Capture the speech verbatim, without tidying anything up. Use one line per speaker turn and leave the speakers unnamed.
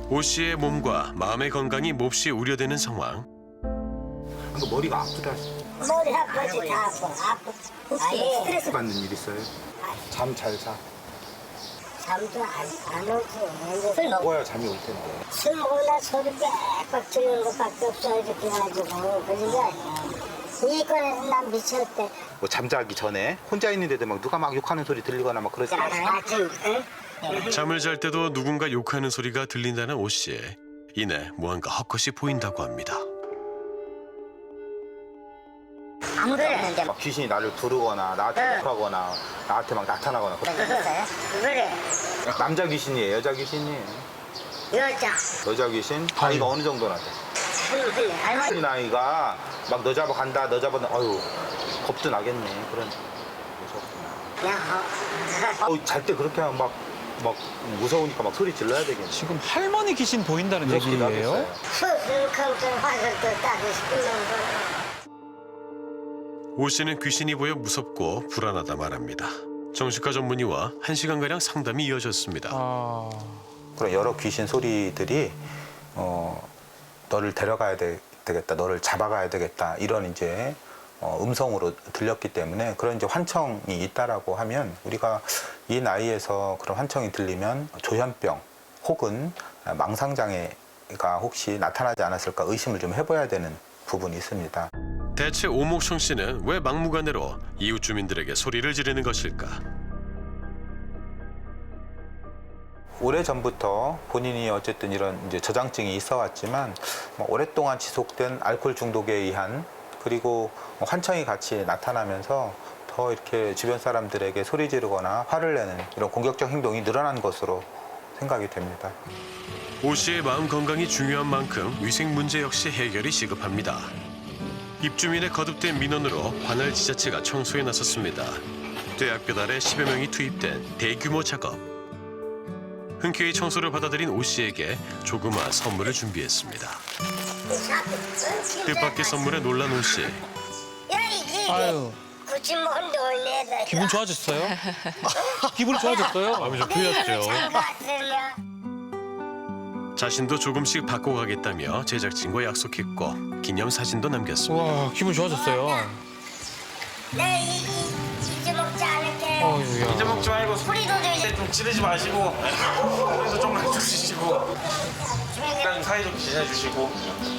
오 씨의 몸과 마음의 건강이 몹시 우려되는 상황.
그러니까 머리가 아프다.
머리 아프지 다 아파. 아프.
혹시 스트레스 받는 일 있어요? 잠 잘 자.
잠도 안, 안 오지. 술 먹
먹어야 잠이 올 텐데.
술 먹으나 소리 빽빽 들리는 것밖에 없어. 이렇게 해가지고. 그런 게 아니야. 이권에서 난 미쳤대.
뭐 잠자기 전에 혼자 있는데도 막 누가 막 욕하는 소리 들리거나 막 그러지 않아요?
아침, 응?
잠을 잘 때도 누군가 욕하는 소리가 들린다는 오 씨. 이내 무언가 헛것이 보인다고 합니다.
안 그랬는데.
막 귀신이 나를 부르거나 나한테 욕하거나 나한테 막 나타나거나 그런
그랬어요? 그래.
남자 귀신이에요? 여자 귀신이에요?
여자.
여자 귀신? 나이가 어느 정도나 돼?
할머니, 할머니.
이 나이가 막 너 잡아 간다 너 잡아 어휴 겁도 나겠네 그런 무섭구나.
야,
어, 잘 때 그렇게 하면 막, 막 무서우니까 막 소리 질러야 되겠네.
지금 할머니 귀신 보인다는
무섭기도
얘기예요?
하겠어요.
수술컴퓨터 화살도 따고 싶은 거.
오 씨는 귀신이 보여 무섭고 불안하다 말합니다. 정신과 전문의와 한 시간가량 상담이 이어졌습니다.
아...
그런 여러 귀신 소리들이 어, 너를 데려가야 되, 겠다 너를 잡아가야 되겠다, 이런 이제 어, 음성으로 들렸기 때문에 그런 이제 환청이 있다라고 하면 우리가 이 나이에서 그런 환청이 들리면 조현병 혹은 망상장애가 혹시 나타나지 않았을까 의심을 좀 해봐야 되는 부분이 있습니다.
대체 오목청 씨는 왜 막무가내로 이웃 주민들에게 소리를 지르는 것일까?
오래전부터 본인이 어쨌든 이런 이제 저장증이 있어 왔지만 뭐 오랫동안 지속된 알코올 중독에 의한 그리고 환청이 같이 나타나면서 더 이렇게 주변 사람들에게 소리 지르거나 화를 내는 이런 공격적 행동이 늘어난 것으로 생각이 됩니다.
오 씨의 마음 건강이 중요한 만큼 위생 문제 역시 해결이 시급합니다. 입주민의 거듭된 민원으로 관할 지자체가 청소에 나섰습니다. 쇠약볕 아래 십여 명이 투입된 대규모 작업. 흔쾌히 청소를 받아들인 오 씨에게 조그마한 선물을 준비했습니다. 뜻밖의 선물에 놀란 오 씨.
야, 이게
아유,
굳이 뭔데 올려야
기분 좋아졌어요? 기분이 좋아졌어요?
마음이 좀 자신도 조금씩 바꿔가겠다며 제작진과 약속했고 기념 사진도 남겼습니다.
와, 기분 좋아졌어요.
내 이, 이, 잊어먹지 않을게.
어휴야.
잊어먹지 말고
소리도 들지.
좀 지르지 마시고 그래서 좀만 해주시고 그냥 사이좋게 지내주시고